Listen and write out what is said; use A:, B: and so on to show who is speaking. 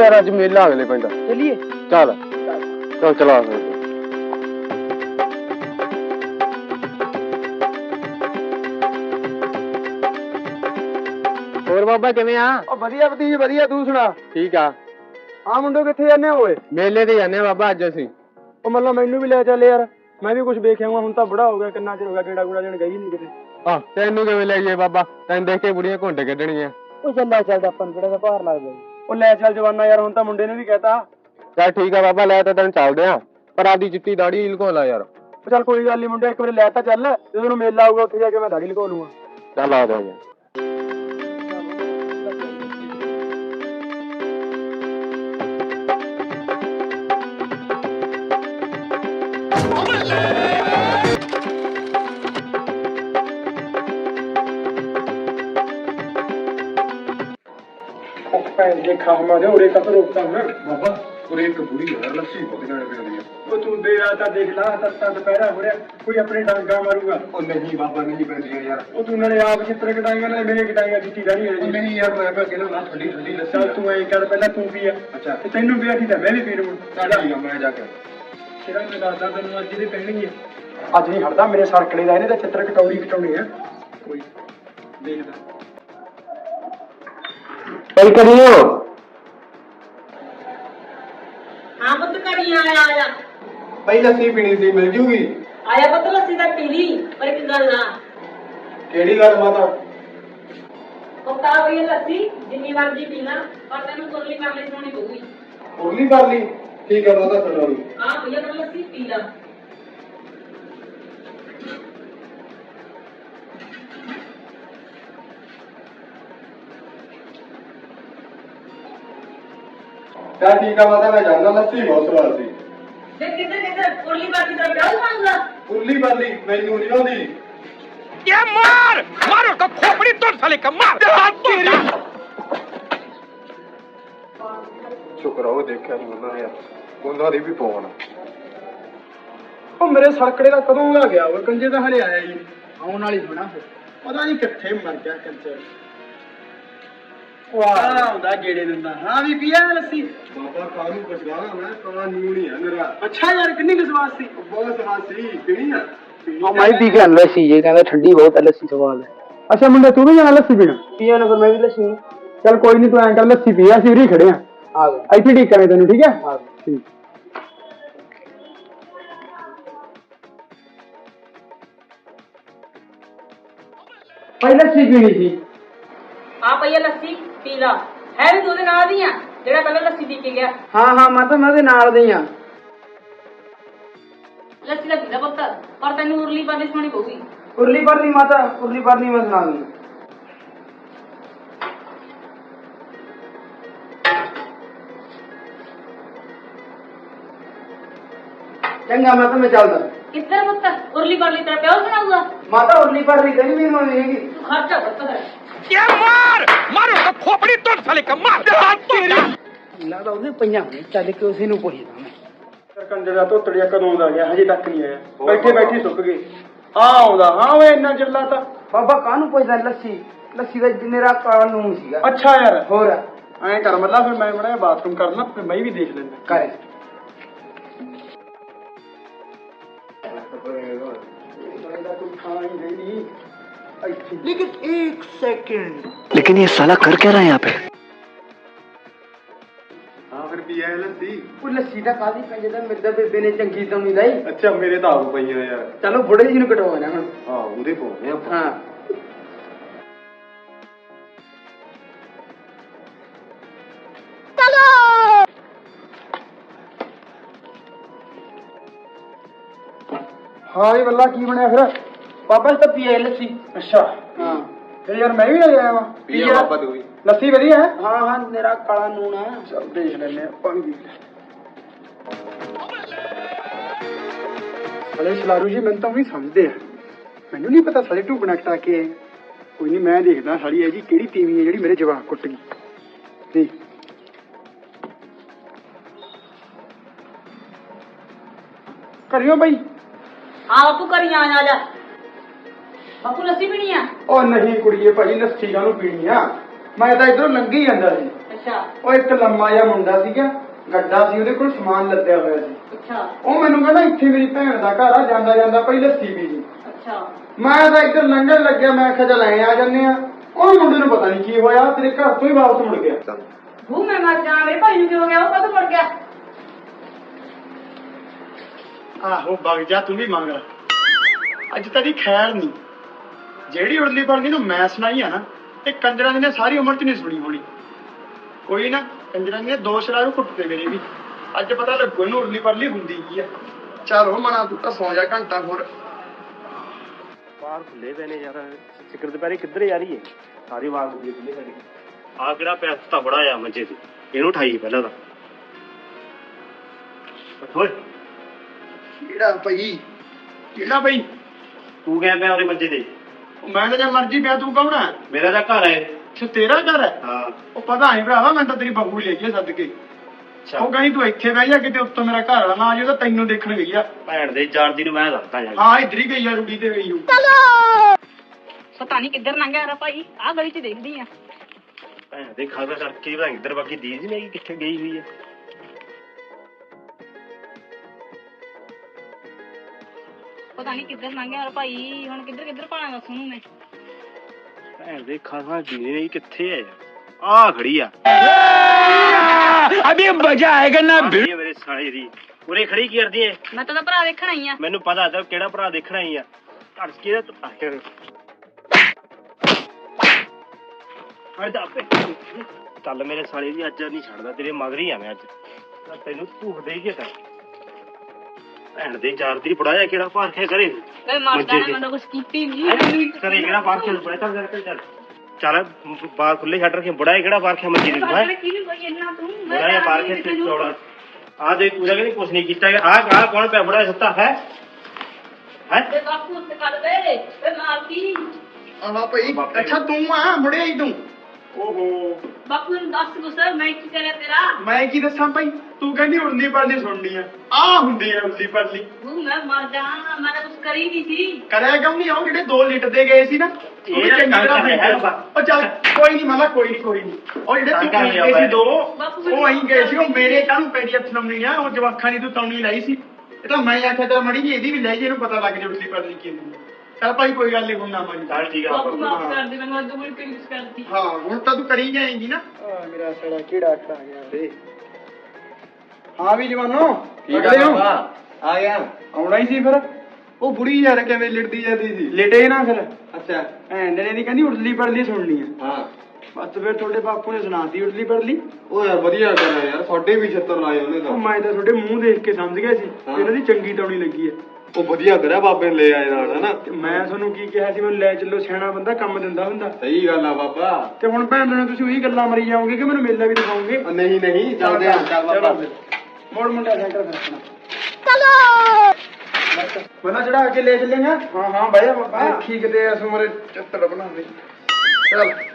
A: यार अज मेला अगले पिंड
B: चलिए।
A: चल चल चला ਹੋਰ ਬਾਬਾ ਕਿਵੇਂ ਆ?
B: ਉਹ ਵਧੀਆ ਭਤੀਜ ਵਧੀਆ, ਤੂੰ ਸੁਣਾ?
A: ਠੀਕ ਆ।
B: ਹਾਂ ਮੁੰਡੋ ਕਿੱਥੇ ਜਾਂਦੇ ਹੋਏ?
A: ਮੇਲੇ ਤੇ ਜਾਂਦੇ ਆ ਬਾਬਾ ਅੱਜ ਅਸੀਂ।
B: ਉਹ ਮਤਲਬ ਮੈਨੂੰ ਵੀ ਲੈ ਚੱਲ ਯਾਰ, ਮੈਂ ਵੀ ਕੁਝ ਵੇਖ ਆਊਂਗਾ। ਹੁਣ ਤਾਂ ਬੜਾ ਹੋ ਗਿਆ, ਕਿੰਨਾ ਚਿਰ ਹੋ ਗਿਆ ਗੇੜਾ ਗੂੜਾ ਦੇਣ ਗਈ ਨਹੀਂ ਕਿਤੇ।
A: ਆਹ ਤੈਨੂੰ ਕਿਵੇਂ ਲੈ ਜਾਈਏ ਬਾਬਾ, ਤੈਨੂੰ ਦੇਖ ਕੇ ਬੁੜੀਆਂ ਘੁੰਡ ਕੱਢਣੀਆਂ।
B: ਉਹ ਚੱਲ ਲੈ ਚੱਲਦਾ, ਆਪਾਂ ਨੂੰ ਕਿਹੜਾ ਦਾ ਭਾਰ ਲੱਗਦਾ। ਉਹ ਲੈ ਚੱਲ ਜਵਾਨਾ ਯਾਰ, ਹੁਣ ਤਾਂ ਮੁੰਡੇ ਨੇ ਵੀ ਕਹਿਤਾ।
A: ਚੱਲ ਠੀਕ ਆ ਬਾਬਾ, ਲੈ ਤਾਂ ਤੈਨੂੰ ਚੱਲਦੇ ਆ, ਪਰ ਆਪਦੀ ਚਿੱਟੀ ਦਾੜੀ ਲੁਕੋ ਲਾ ਯਾਰ।
B: ਚੱਲ ਕੋਈ ਗੱਲ ਨੀ ਮੁੰਡੇ, ਇੱਕ ਵਾਰੀ ਲੈ ਤਾਂ ਚੱਲ, ਜਦੋਂ ਨੂੰ ਮੇਲਾ ਆਊਗਾ ਉੱਥੇ ਜਾ ਕੇ ਮੈਂ ਦਾੜੀ ਲੁਕੋ ਲੂੰਗਾ।
A: ਚੱਲ ਆ ਜਾ ਯਾਰ।
B: देखा हमारे और एक रोकता हूँ
A: बाबा और एक बुढ़ी है लस्सी बहुत गाने पे रही है।
B: वो तू दे रहा था, देख ला सस्ता दोपहरा हो रहा, कोई अपने डांगा मारूंगा।
A: ओ नहीं बाबा नहीं पहन रही है यार।
B: वो तू ने आप चित्र कटाएगा ना मेरे कटाएगा, चिट्ठी दानी है
A: नहीं यार मैं पे अकेला ना ठंडी ठंडी लस्सी।
B: चल तू ऐ कर, पहला तू पिया। अच्छा ते तैनू पिया ठीक है, मैं भी पी लूं।
A: चल ठीक है मैं जाके
B: तेरा मैं दादा तैनू आज ਦੀ ਪਹਿਣੀ ਹੈ। ਅੱਜ ਨਹੀਂ ਹਟਦਾ ਮੇਰੇ ਸਰਕਲੇ ਦਾ, ਇਹਨੇ ਤਾਂ ਚਿੱਤਰ ਕਟਾਉਣੀ ਹੈ। ਕੋਈ ਦੇਖਦਾ
A: कल करियो।
C: हाँ पुत करी आया
A: भाई लस्सी पीनी थी, मिल जूगी?
C: आया पुत लस्सी दा पी ली, पर एक गल ना
A: केड़ी गल माता?
C: पक्का भी लस्सी जिन्नी मर्जी पीना, पर तेनू कुरली करली सुनी पऊगी।
A: उरली कर ली? ठीक है माता सुना ली।
C: हां भैया पर लस्सी पी ला।
A: चल ठीक है माता मैं जाना, लस्सी बहुत स्वाद सी।
C: देख किधर कुरली बाकी तेरा प्यार मांगला।
A: उरली कर ली मैनू नहीं आउंदी।
D: ये मार मारो तो खोपड़ी तोड़ साले का मार तेरी।
A: शुक्र हो देखा नहीं उन्होंने यार, उन्होंने भी फोन।
B: ਉਹ ਮੇਰੇ ਸਰਕੜੇ ਦਾ ਕਦੋਂ ਆ ਗਿਆ? ਉਹ ਕੰਜੇ ਦਾ ਹਲੇ ਆਇਆ ਹੀ ਆਉਣ ਵਾਲੀ ਹੋਣਾ, ਫਿਰ ਪਤਾ ਨਹੀਂ ਕਿੱਥੇ ਮਰ ਗਿਆ ਕੰਜੇ। ਵਾਹ ਆਉਂਦਾ ਗੇੜੇ ਦਿੰਦਾ। ਹਾਂ ਵੀ ਪੀਆ ਲੱਸੀ?
A: बाबा कानू पछवाना मैं काला नीम नहीं है मेरा।
B: ਅੱਛਾ ਯਾਰ, ਕਿੰਨੀ ਕੁ ਸਵਾਦ ਸੀ?
A: बहुत स्वाद सी, पीनी है?
B: ਮੈਂ ਪੀ ਕੇ ਆਂਦਾ ਸੀ, ਜੇ ਕਹਿੰਦਾ ਠੰਡੀ ਬਹੁਤ ਹੈ ਲੱਸੀ, ਸਵਾਦ ਹੈ। ਅੱਛਾ ਮੁੰਡੇ ਤੂੰ ਵੀ ਜਾਣਾ ਲੱਸੀ ਪੀਣਾ? ਪੀਆ ਨਾ, ਫਿਰ ਮੈਂ ਵੀ ਲੱਸੀ। ਚੱਲ ਕੋਈ ਨਹੀਂ, ਤੂੰ ਐਂ ਕਰ ਲੱਸੀ ਪੀ, ਅਸੀਂ ਉਰੀ ਖੜੇ ਆ ਗਏ ਇੱਥੇ ਠੀਕ ਕਰੇ ਤੈਨੂੰ, ਠੀਕ ਹੈ? ਹਾਂ ਠੀਕ। ਭਾਈ ਲੱਸੀ ਪੀਣੀ ਸੀ।
C: हां भैया लस्सी पी ला, है भी तू दे नाल दी आ जेड़ा पहले लस्सी पी के गया।
B: ਹਾਂ ਹਾਂ ਮੈਂ ਤਾਂ ਉਹਦੇ ਨਾਲ ਦੇ ਆ।
C: लस्सी दा पी ला पुत, पर तेनू उरली पाली सुनी पऊगी।
B: ਉਰਲੀ ਪਰਲੀ ਮਾਤਾ, ਉਰਲੀ ਪਰਲੀ ਮੈਂ ਸੁਣਾ ਦੂੰਗਾ। ਚੰਗਾ ਮਾਤਾ ਮੈਂ ਚੱਲਦਾ।
C: किधर पुत उरली पाली तेरा प्यार सुनाऊगा?
B: ਮਾਤਾ ਉਰਲੀ ਪਰਲੀ ਕਦੀ ਵੀ ਨਹੀਂ ਹੈਗੀ।
C: तू खर्चा पुत कर।
D: ये मार मारो तो खोपड़ी तोड़ साले का मार तेरी।
B: ਲੱਗਦਾ ਉਹਦੇ ਪਈਆਂ ਹੋਣੇ, ਚੱਲ ਕੇ ਉਸੇ ਨੂੰ ਪੁੱਛਦਾ ਮੈਂ। ਸਰਕੰਜਰ ਦਾ ਧੋਤੜੀਆ ਕਦੋਂ ਦਾ ਗਿਆ, ਹਜੇ ਤੱਕ ਨਹੀਂ ਆਇਆ। ਬੈਠੇ ਬੈਠੇ ਸੁੱਕ ਗਏ। ਆ ਆਉਂਦਾ, ਹਾਂ ਓਏ ਇੰਨਾ ਚਿਰ ਲਾਤਾ। ਬਾਬਾ ਕਾਹਨੂੰ ਪੁੱਛਦਾ? ਲੱਸੀ ਲੱਸੀ ਦਾ ਮੇਰਾ ਕਾਲਾ ਨੂਮ ਸੀਗਾ। ਅੱਛਾ ਯਾਰ, ਹੋਰ ਐਂ ਕਰ ਮੱਲਾ, ਫਿਰ ਮੈਂ ਬੜਾ ਬਾਥਰੂਮ ਕਰਨਾ, ਫਿਰ ਮੈਂ ਵੀ ਦੇਖ ਲੈਂਦਾ। ਕਰ
E: लेकिन एक सेकंड, लेकिन ये साला कर क्या रहा है यहाँ पे?
A: हाँ फिर पिया है लस्सी?
B: ਉਹ ਲੱਸੀ ਦਾ ਕਾਦੀ ਪੰਜੇ ਦਾ ਮਿਰਦਾ ਬੇਬੇ ਨੇ ਚੰਗੀ ਤੋਂ ਨਹੀਂ ਲਾਈ।
A: अच्छा मेरे तो आप पई है यार।
B: ਚਲੋ ਬੁੜੇ ਜੀ ਨੂੰ ਕਟਵਾਉਣਾ ਹੁਣ।
A: हाँ उदे फोन है।
B: ਹਾਂ ਹਾਂ ਇਹ ਬੱਲਾ ਕੀ ਬਣਿਆ ਫਿਰ? ਪਾਪਾ ਜੀ ਤਾਂ ਪੀਏ ਲੱਸੀ। ਅੱਛਾ ਹਾਂ, ਫਿਰ ਯਾਰ ਮੈਂ ਵੀ ਲੈ ਆਇਆ ਵਾਂ।
A: पिया बाबा तू भी।
B: ਲੱਸੀ ਵਧੀਆ ਹੈ? ਹਾਂ ਹਾਂ ਮੇਰਾ ਕਾਲਾ ਨੂਣ ਆ। ਚੱਲ ਦੇਖ ਲੈਨੇ ਆ, ਪਾਣੀ ਪੀ ਲੈ। ਸਾਲੇ ਸ਼ਲਾਰੂ ਜੀ ਮੈਨੂੰ ਤਾਂ ਵੀ ਸਮਝਦੇ ਆ, ਮੈਨੂੰ ਨਹੀਂ ਪਤਾ ਸਾਲੇ ਢੂਕਣਾ ਕਟਾ ਕੇ ਆਏ। ਕੋਈ ਨਹੀਂ ਮੈਂ ਦੇਖਦਾ ਸਾਲੀ ਇਹ ਜੀ ਕਿਹੜੀ ਤੀਵੀਂ ਹੈ ਜਿਹੜੀ ਮੇਰੇ ਜਵਾਕ ਕੁੱਟ ਗਈ। ਦੇਖ ਕਰਿਓ ਬਈ।
C: हां बापू करी आ जा। बापू लस्सी पीनी आ?
B: ਉਹ ਨਹੀਂ ਕੁੜੀਏ ਭਾਈ, ਲੱਸੀ ਕਾਹਨੂੰ ਪੀਣੀ ਆ, ਮੈਂ ਤਾਂ ਇਧਰੋਂ ਲੰਘੀ ਜਾਂਦਾ ਸੀ।
C: ਅੱਛਾ
B: ਉਹ ਇੱਕ ਲੰਮਾ ਜਿਹਾ ਮੁੰਡਾ ਸੀਗਾ, ਗੱਡਾ ਸੀ, ਉਹਦੇ ਕੋਲ ਸਮਾਨ ਲੱਦਿਆ ਹੋਇਆ ਸੀ।
C: ਅੱਛਾ
B: ਉਹ ਮੈਨੂੰ ਕਹਿੰਦਾ ਇੱਥੇ ਮੇਰੀ ਭੈਣ ਦਾ ਘਰ ਆ, ਜਾਂਦਾ ਜਾਂਦਾ ਪਈ ਲੱਸੀ ਪੀ ਜੀ।
C: ਅੱਛਾ
B: ਮੈਂ ਤਾਂ ਇੱਧਰ ਲੰਘਣ ਲੱਗਿਆ, ਮੈਂ ਕਿਹਾ ਚੱਲ ਐਂ ਆ ਜੰਨੇ ਆ। ਉਹ ਮੁੰਡੇ ਨੂੰ ਪਤਾ ਨਹੀਂ ਕੀ ਹੋਇਆ, ਤੇਰੇ ਘਰ ਤੋਂ ਹੀ ਵਾਪਸ ਮੁੜ ਗਿਆ।
C: ਭੂ ਮੈਂ ਮਰ ਜਾ, ਮੇਰੇ ਭਾਈ ਨੂੰ ਕੀ ਹੋ ਗਿਆ, ਉਹ ਕਦੋਂ ਮੁੜ ਗਿਆ?
B: ਆਹੋ ਵਗ ਜਾ, ਤੂੰ ਵੀ ਮੰਗ ਲੈ। ਅੱਜ ਤੇਰੀ ਖੈਰ ਨਹੀਂ, ਜਿਹੜੀ ਉੜਲੀ ਪੜਦੀ ਨੂੰ ਮੈਂ ਸੁਣਾਈ ਆ ਨਾ, ਇਹ ਕੰਜਰਾਂ ਦੀ ਨੇ ਸਾਰੀ ਉਮਰ ਚ ਨਹੀਂ ਸੁਣੀ ਹੋਣੀ। ਕੋਈ ਨਾ, ਕੰਜਰਾਂ ਦੀਆਂ ਦੋ ਸ਼ਰਾਰੂ ਕੁੱਟਦੇ ਮੇਰੇ ਵੀ, ਅੱਜ ਪਤਾ ਲੱਗੂ ਇਹਨੂੰ ਉੜਲੀ ਪੜਲੀ ਹੁੰਦੀ ਕੀ ਆ। ਚੱਲ ਹੋ ਮਨਾ, ਤੂੰ ਤਾਂ ਸੌ ਜਾ ਘੰਟਾ ਹੋਰ।
A: ਬਾਹਰ ਖੁੱਲੇ ਪਏ ਨੇ ਯਾਰ, ਸਿਕਰ ਦੁਪਹਿਰੇ ਕਿੱਧਰ ਜਾ ਰਹੀ ਹੈ? ਸਾਰੀ ਵਾਰ ਖੁੱਲੇ ਸਾਡੀ।
F: ਆ ਕਿਹੜਾ ਪੈਸਾ ਬੜਾ ਆ ਮੰਜੇ ਤੇ, ਇਹਨੂੰ ਉਠਾਈ ਪਹਿਲਾਂ ਤਾਂ। ਓਏ
B: ਕਿਹੜਾ ਭਾਈ? ਕਿਹੜਾ ਭਾਈ?
F: ਤੂੰ ਕਿਹਾ ਪਿਆ ਉਹਦੇ ਮੰਜੇ ਤੇ?
B: ਮੈਂ ਤਾਂ ਜੇ ਮਰਜੀ ਪਿਆ, ਤੂੰ ਕੌਣ ਹੈ?
F: ਮੇਰਾ ਤਾਂ ਘਰ ਹੈ।
B: ਅੱਛਾ ਤੇਰਾ ਘਰ ਹੈ?
F: ਹਾਂ।
B: ਉਹ ਪਤਾ ਨਹੀਂ ਭਰਾਵਾ, ਮੈਂ ਤਾਂ ਤੇਰੀ ਬਹੂ ਲੈ ਗਈ ਸੱਦ ਕੇ। ਉਹ ਕਹਿੰਦੀ ਤੂੰ ਇੱਥੇ ਬਹਿ ਜਾ, ਕਿਤੇ ਉੱਤੋਂ ਮੇਰਾ ਘਰ ਵਾਲਾ ਨਾ ਆ ਜਾਏ, ਤਾਂ ਤੈਨੂੰ ਦੇਖਣ ਗਈ ਆ।
F: ਭੈਣ ਦੇ ਜਾਣਦੀ ਨੂੰ ਮੈਂ ਦੱਸਦਾ ਜਾ ਕੇ।
B: ਹਾਂ ਇੱਧਰ ਹੀ ਗਈ ਆ, ਰੂੜੀ ਤੇ ਗਈ।
C: ਪਤਾ ਨਹੀਂ ਕਿੱਧਰ ਲੰਘਿਆ ਰਾ ਭਾਈ, ਆਹ ਗਲੀ 'ਚ ਦੇਖਦੀ ਆ।
F: ਭੈਣ ਦੇ ਖਾਦਾ ਕਰਕੇ ਭਲਾ ਇੱਧਰ ਬਾਕੀ ਦੀਦੀ ਨਹੀਂ ਕਿੱਥੇ ਗਈ ਹੋਈ ਹੈ।
C: ਪਤਾ ਨਹੀਂ ਕਿੱਧਰ ਲੰਘਿਆ ਰਾ ਭਾਈ, ਹੁਣ ਕਿੱਧਰ ਕਿੱਧਰ ਭਾਣਾ ਦੱਸ ਉਹਨੂੰ ਮੈਂ।
F: ਭੈਣ ਦੇ ਖਾਦਾ ਦੀਦੀ ਨਹੀਂ ਕਿੱਥੇ ਹੈ ਯਾਰ? ਆ ਖੜੀ ਆ।
D: अभी मजा आएगा ना
F: ਇਹ ਮੇਰੇ ਸਾਲੇ ਦੀ ਉਰੇ ਖੜੀ ਕੀ ਕਰਦੀ ਏ?
C: ਮੈਂ ਤਾਂ ਉਹਦਾ ਭਰਾ ਦੇਖਣ ਆਈ ਆ।
F: ਮੈਨੂੰ ਪਤਾ ਤਾਂ ਕਿਹੜਾ ਭਰਾ ਦੇਖਣਾ ਹੀ ਆ। ਘੜ ਕੇ ਤੂੰ ਆਖਿਰ ਚੱਲ ਮੇਰੇ ਸਾਲੇ ਦੀ, ਅੱਜ ਨਹੀਂ ਛੱਡਦਾ, ਤੇਰੇ ਮਗਰ ਹੀ ਆ ਮੈਂ ਅੱਜ। ਤੈਨੂੰ ਭੂਖ ਦੇ ਕੇ ਕਰ ਭੈਣ ਦੇ ਚਾਰ ਦੀ ਪੜਾਇਆ ਕਿਹੜਾ ਪਾਰਖਿਆ ਕਰੇ।
C: ਵੇ ਮਰਦਾ ਨਾ, ਮੈਂ ਤਾਂ ਕੁਛ ਕੀਤੀ ਨਹੀਂ।
F: ਕਰੇ ਕਿਹੜਾ ਪਾਰਖਿਆ ਪੜਿਆ। ਚੱਲ ਚੱਲ ਬਾਹਰ ਖੁੱਲੇ ਛੱਡ ਰੱਖੇ, ਬੜਾ ਕਿਹੜਾ ਪਾਰਖਿਆ ਮੰਜੀ ਦੇ ਹੈ
C: ਕਿਹਨੂੰ ਕੋਈ ਇੰਨਾ ਤੂੰ?
F: ਬੜਾ ਪਾਰਖਿਆ ਤੇ ਚੌੜਾ। ਆ ਦੇ ਤੂੰ ਕਹਿੰਦੀ ਕੁਛ ਨਹੀਂ ਕੀਤਾ। ਆ ਕੌਣ ਪਿਆ ਬੜਾ ਸੁੱਤਾ ਹੈ? ਹੈ
C: ਵੇ ਬਾਪੂ ਉੱਤੇ ਕਰ ਦੇ, ਵੇ ਮਾਰਤੀ।
B: ਆਹ ਭਾਈ, ਅੱਛਾ ਤੂੰ ਆ ਮੁੜਿਆ ਹੀ ਤੂੰ? ਓਹੋ
C: ਬਾਪੂ ਨੂੰ ਦੱਸ ਕੁਛ, ਮੈਂ ਕੀ ਕਰਿਆ ਤੇਰਾ?
B: ਮੈਂ ਕੀ ਦੱਸਾਂ ਭਾਈ, ਤੂੰ ਕਹਿੰਦੀ ਉੜਦੀ ਪੜਦੀ ਸੁਣਨੀ ਆ ਹੁੰਦੀ ਆ ਉੜਦੀ ਪੜਦੀ।
C: ਭੂ ਮੈਂ ਮਰ ਜਾ, ਮੈਂ ਤਾਂ ਕੁਛ ਕਰੀ ਨਹੀਂ ਸੀ।
B: ਕਰਿਆ ਕਿਉਂ ਨਹੀਂ? ਉਹ ਜਿਹੜੇ 2 ਲੀਟਰ ਦੇ ਗਏ ਸੀ ਨਾ, ਉਹ ਵੀ ਚੰਗੀ ਤਰ੍ਹਾਂ ਪੀਂਦੇ। ਉਹ ਚੱਲ ਕੋਈ ਨਹੀਂ ਮਾਮਾ, ਕੋਈ ਨਹੀਂ। ਉਹ ਜਿਹੜੇ ਤੂੰ ਪੀ ਗਏ ਸੀ 2, ਉਹ ਅਹੀਂ ਗਏ ਸੀ। ਉਹ ਮੇਰੇ ਕਾਹਨੂੰ ਪੈਰੀ ਹੱਥ ਲਾਉਣੀ ਆ, ਉਹ ਜਵਾਖਾਂ ਦੀ ਤੂੰ ਤੌਣੀ ਲਾਈ ਸੀ। ਇਹ ਤਾਂ ਮੈਂ ਆਖਿਆ ਚੱਲ ਮੜੀ ਜੀ ਇਹਦੀ ਵੀ ਲੈ ਜੇ, ਇਹਨੂੰ ਪਤਾ ਲੱਗ ਜੇ ਉੜਦੀ ਪੜਦੀ ਕੀ ਹੁੰਦੀ। ਚੱਲ ਭਾਈ ਕੋਈ ਗੱਲ ਨਹੀਂ, ਹੁਣ ਨਾ ਮਾਰੀ।
F: ਚੱਲ ਠੀਕ ਆ।
C: ਬਾਪੂ ਮਾਫ ਕਰ ਦੇ ਮੈਨੂੰ, ਅੱਜ ਕੋਈ ਕਿਸ ਕਰਦੀ।
B: ਹਾਂ ਹੁਣ ਤਾਂ ਤੂੰ ਕਰੀ ਜਾਏਂਗੀ ਨਾ। ਮੇਰਾ ਸੜਾ ਕਿਹੜਾ ਖਾ ਗਿਆ ਰੇ। ਹਾਂ ਵੀ ਜਵਾਨੋ, ਅਗਲੇ ਹੋ
A: ਆ ਗਿਆ।
B: ਆਉਣਾ ਹੀ ਸੀ ਫਿਰ। ਉਹ ਬੁੜੀ ਯਾਰ ਕਿਵੇਂ ਲਿਟਦੀ ਜਾਂਦੀ ਸੀ। ਲਿਟੇ ਨਾ ਫਿਰ।
A: ਅੱਛਾ
B: ਭੈਣ ਦੇ ਨੇ ਕਹਿੰਦੀ ਉੜਲੀ ਪੜਲੀ ਸੁਣਨੀ ਆ।
A: ਹਾਂ,
B: ਬਸ ਫਿਰ ਤੁਹਾਡੇ ਬਾਪੂ ਨੇ ਸੁਣਾਤੀ ਉੜਲੀ ਪੜਲੀ।
A: ਉਹ ਯਾਰ ਵਧੀਆ ਕਰਿਆ ਯਾਰ, ਸਾਡੇ ਵੀ 76 ਲਾਏ ਉਹਨੇ
B: ਉਹ
A: ਤਾਂ।
B: ਮੈਂ ਤਾਂ ਤੁਹਾਡੇ ਮੂੰਹ ਦੇਖ ਕੇ ਸਮਝ ਗਿਆ ਸੀ
A: ਹਾਂ।
B: ਇਹਨਾਂ ਦੀ ਚੰਗੀ ਤੌਣੀ ਲੱਗੀ ਹੈ।
A: ਉਹ ਵਧੀਆ ਕਰਿਆ ਬਾਬੇ ਨੇ ਲੈ ਆਏ ਨਾਲ, ਹਨਾ?
B: ਤੇ ਮੈਂ ਤੁਹਾਨੂੰ ਕੀ ਕਿਹਾ ਸੀ, ਮੈਨੂੰ ਲੈ ਚੱਲੋ, ਸਿਆਣਾ ਬੰਦਾ ਕੰਮ ਦਿੰਦਾ ਹੁੰਦਾ।
A: ਸਹੀ ਗੱਲ ਆ ਬਾਬਾ।
B: ਤੇ ਹੁਣ ਭੈਣ ਦੇ ਨਾਲ ਤੁਸੀਂ ਉਹੀ ਗੱਲਾਂ ਮਰੀ ਜਾਓਗੇ ਕਿ ਮੈਨੂੰ ਮੇਲਾ ਵੀ ਦਿਖਾਓਗੇ?
A: ਨਹੀਂ ਨਹੀਂ, ਚੱਲਦੇ ਆ। ਚੱਲ ਬਾਬਾ।
B: ਮੋੜ ਮੁੰਡਾ ਸੈਂਟਰ ਫਿਰ ਆਪਣਾ। ਚਲੋ ਬੰਦਾ ਚੜਾ ਕੇ ਲੈ ਚੱਲੇਗਾ। ਹਾਂ ਹਾਂ ਬਾਈ ਬਾਬਾ, ਦੇਖੀ ਕਿਤੇ ਇਸ ਉਮਰੇ ਚੱਤੜ ਬਣਾਉਂਦੇ। ਚੱਲ